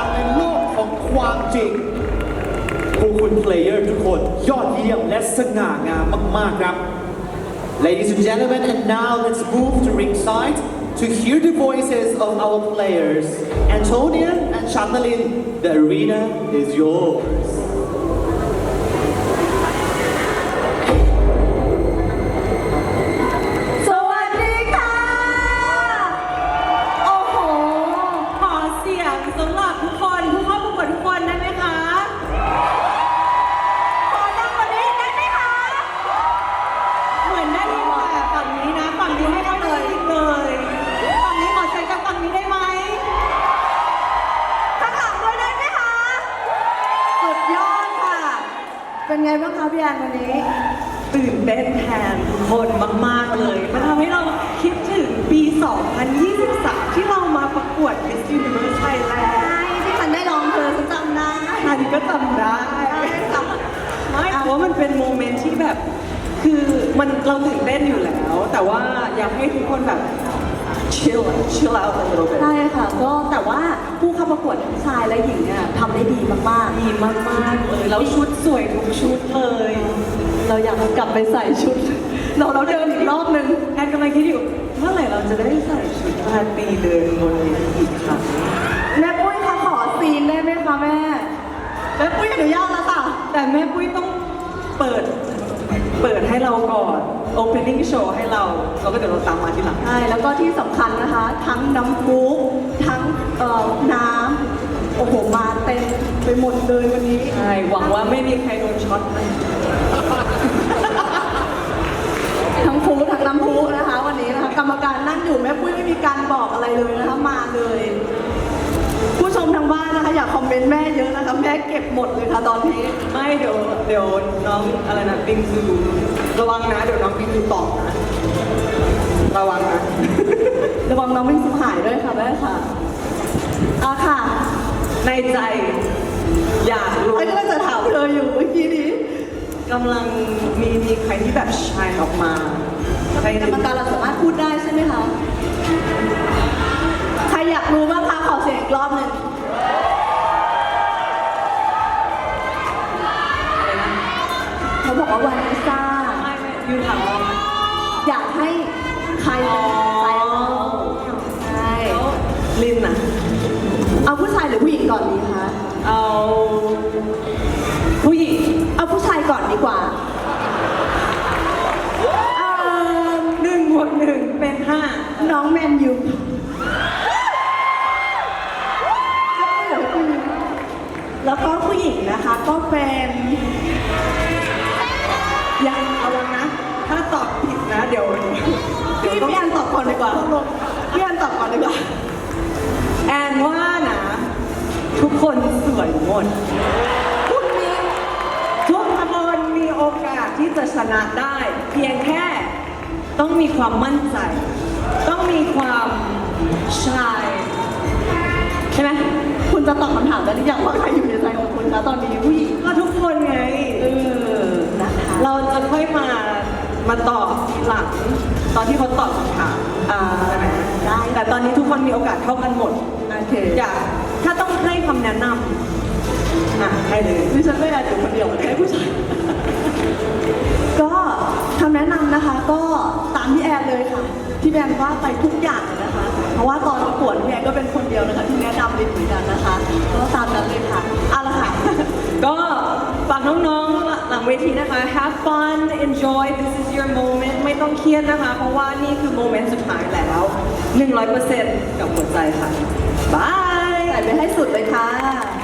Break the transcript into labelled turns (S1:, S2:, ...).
S1: างในโลกของความจริงพวกคุณเพลเยอร์ทุกคนยอดเยี่ยมและสง่างามมากๆครับ Ladies and gentlemen, and now let's move to ringside to hear the voices of our players. Antonia and Chantalin, the arena is yours.
S2: สวัสดีค่ะ โอ้โห ขอเสียงสำหรับทุกคนผู้เข้าประกวดทุกคนได้ไหมคะ ขอดังกว่านี้ได้ไหมคะ เหมือนได้ยินแต่ฝั่งนี้นะ ฝั่งนี้ไม่ได้เลยฝั่งนี้ขอใช้กับฝั่งนี้ได้ไหมข้างหลังด้วยได้ไหมคะ สุดยอดค่ะ เป็นไงบ้างคะพี่แอนวันนี้ ตื่นเต้นแทนทุกคนมากๆเลย มันทำให้เราคิดถึงปี 2023 ที่เรามาประกวด Miss Universe Thailand ที่ฉันได้ลองเธอฉันจำได้อันนี้ก็จำได้ไม่เพราะว่ามันเป็นโมเมนต์ที่แบบ คือมันเราตื่นเต้นอยู่แล้ว แต่ว่าอยากให้ทุกคนแบบ chill out a little bit
S3: ใช่ค่ะก็แต่ว่าผู้เข้าประกวดทั้งชายและหญิงเนี่ยทำได้ดีมาก
S2: ดีมากๆเลยแล้วชุดสวยทุกชุดเลย
S3: ๆ เราอยากกลับไปใส่ชุด เราเดินอีกรอบนึง
S2: แอนกำลังคิดอยู่เมื่อไหร่เราจะได้ใส่ชุดราตรีเดินบนเวทีอีกครั้ง
S3: แม่ปุ้ยคะขอซีนได้ไหมคะแม่แม่ปุ้ยอนุญาตแล้วค่ะ
S2: แต่แม่ปุ้ยต้องเปิดให้เราก่อน opening show ให้เราแล้วก็เดี๋ยวเราตามมาทีหลัง
S3: ใช่แล้วก็ที่สำคัญนะคะ ทั้งน้ำพุทั้งน้ำโอ้โหมาเต็มไปหมดเลยวันนี้
S2: ใช่ หวังว่าไม่มีใครโดนช็อตนะ
S3: ทั้งพุทั้งน้ำพุนะคะวันนี้นะคะกรรมการนั่งอยู่แม่ปุ้ยไม่มีการบอกอะไรเลยนะคะมาเลย ผู้ชมทางบ้านนะคะอยากคอมเมนต์แม่เยอะนะคะแม่เก็บหมดเลยค่ะตอนนี้
S2: ไม่เดี๋ยวน้องอะไรนะปิงซูระวังนะเดี๋ยวน้องปิงซูตอบนะระวังนะ
S3: ระวังน้องวิ่งสุหายด้วยค่ะแม่ค่ะค่ะ
S2: ในใจอยากรู้
S3: ไอ้ก็จะถามเธออยู่เมื่อกี้นี้
S2: กำลังมีใครที่แบบชายออกมาใคร
S3: กรรมการเราสามารถพูดได้ใช่ไหมคะใครอยากรู้บ้างคะขอเสียงอีกรอบหนึ่งเขาบอกว่าวานิซ่า
S2: ไม่ยูถามว่า
S3: อยากให้ใครเป็นใจเราใช่
S2: ลินอะ
S3: เอาผู้ชายหรือผู้หญิงก่อนดีคะ
S2: เอาผู้หญิง
S3: เอาผู้ชายก่อนดีกว่า
S2: 1+1 เป็น 5
S3: น้องแมนยูแล้วก็ผู้หญิงนะคะก็เป็นยัง
S2: ระวังนะ ถ้าตอบผิดนะเดี๋ยว
S3: พี่แอนตอบก่อนดีกว่าพี่แอนตอบก่อนดีกว่า
S2: แอนว่านะ ทุกคนสวยหมดทุกคนมีโอกาสที่จะชนะได้ เพียงแค่ต้องมีความมั่นใจ ต้องมีความชายใช่ไหม
S3: คุณจะตอบคำถามได้หรือยังว่าใครอยู่ในใจของคุณคะตอนนี้ผู้หญิง
S2: ก็ทุกคนไง
S3: นะคะ
S2: เราจะค่อยมาตอบทีหลังตอนที่เขาตอบคำถามใช่ไหม
S3: ได้
S2: แต่ตอนนี้ทุกคนมีโอกาสเท่ากันหมด
S3: โอเค
S2: อยากถ้าต้องให้คำแนะนำให้เลย
S3: ดิฉันไม่อยากอยู่คนเดียวให้ผู้ชายก็คำแนะนำนะคะ ก็ตามพี่แอนเลยค่ะที่แอนว่าไปทุกอย่างเลยนะคะ เพราะว่าตอนประกวดพี่แอนก็เป็นคนเดียวนะคะที่แนะนำลินเหมือนกันนะคะก็ตามนั้นเลยค่ะเอาละค่ะ
S2: ก็ฝากน้องๆหลังเวทีนะคะ have fun enjoy this is your moment ไม่ต้องเครียดนะคะ เพราะว่านี่คือโมเมนต์สุดท้ายแล้ว 100% กับหัวใจค่ะบาย
S3: ใส่ไปให้สุดเลยค่ะ